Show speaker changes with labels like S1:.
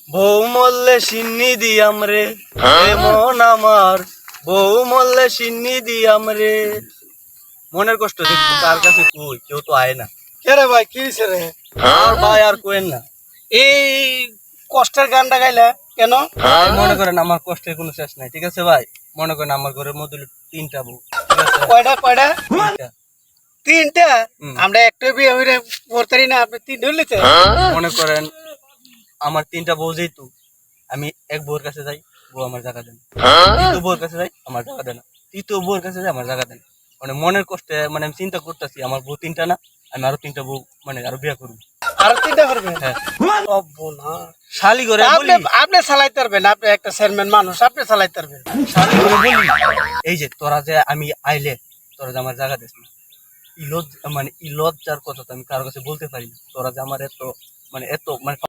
S1: বউ মল্লে সিন্নি দিয়াম রে মন আমার, বউ মল্লে সিন্নি দিয়াম রে। মনের কষ্ট দেখছি তার কাছে কই, কেউ তো আয় না।
S2: কে রে ভাই, কি হয়েছে রে?
S1: আর ভাই আর কোয়েন না।
S2: এই কষ্টের গানটা গাইলে কেন?
S1: ভাই মনে করেন আমার কষ্টের কোনো শেষ নাই, ঠিক আছে ভাই? মনে করেন আমার ঘরের মধ্যে হলো 3টা বউ, ঠিক আছে?
S2: কয়টা কয়টা?
S1: 3টা।
S2: তিনটা?
S1: হুম।
S2: আমরা একটা বিয়ে হইলে পড়তারি না, আপনি তিনটা হইলেছে?
S1: মনে করেন আমার 3টা বউ, যেহেতু আমি এক বউর কাছে যাই, বউ আমার জায়গা দেন। দ্বিতীয় বউর কাছে যাই, আমার জায়গা দেন। তৃতীয় বউর কাছে যাই, আমার জায়গা দেন। মানে মনের কষ্টে মানে আমি চিন্তা করতেছি, আমার বউ 3টা না, আমি আরো 3টা বউ মানে আরো বিয়ে করবো।
S2: আরো তিনটা করবেন?
S1: হ্যাঁ,
S2: শালি
S1: শালি করে
S2: আপনি
S1: বলি,
S2: আপনি চালাইতে পারবেন, আপনি একটা চেয়ারম্যান মানুষ, আপনি চালাইতে পারবেন।
S1: শালি করে বলি, এই যে তোরা যে আমি আইলে তোরা যে আমার জায়গা দিস না, ই লজ্জার কথা তো আমি কারো কাছে বলতে পারি না। তোরা যে আমার এত মানে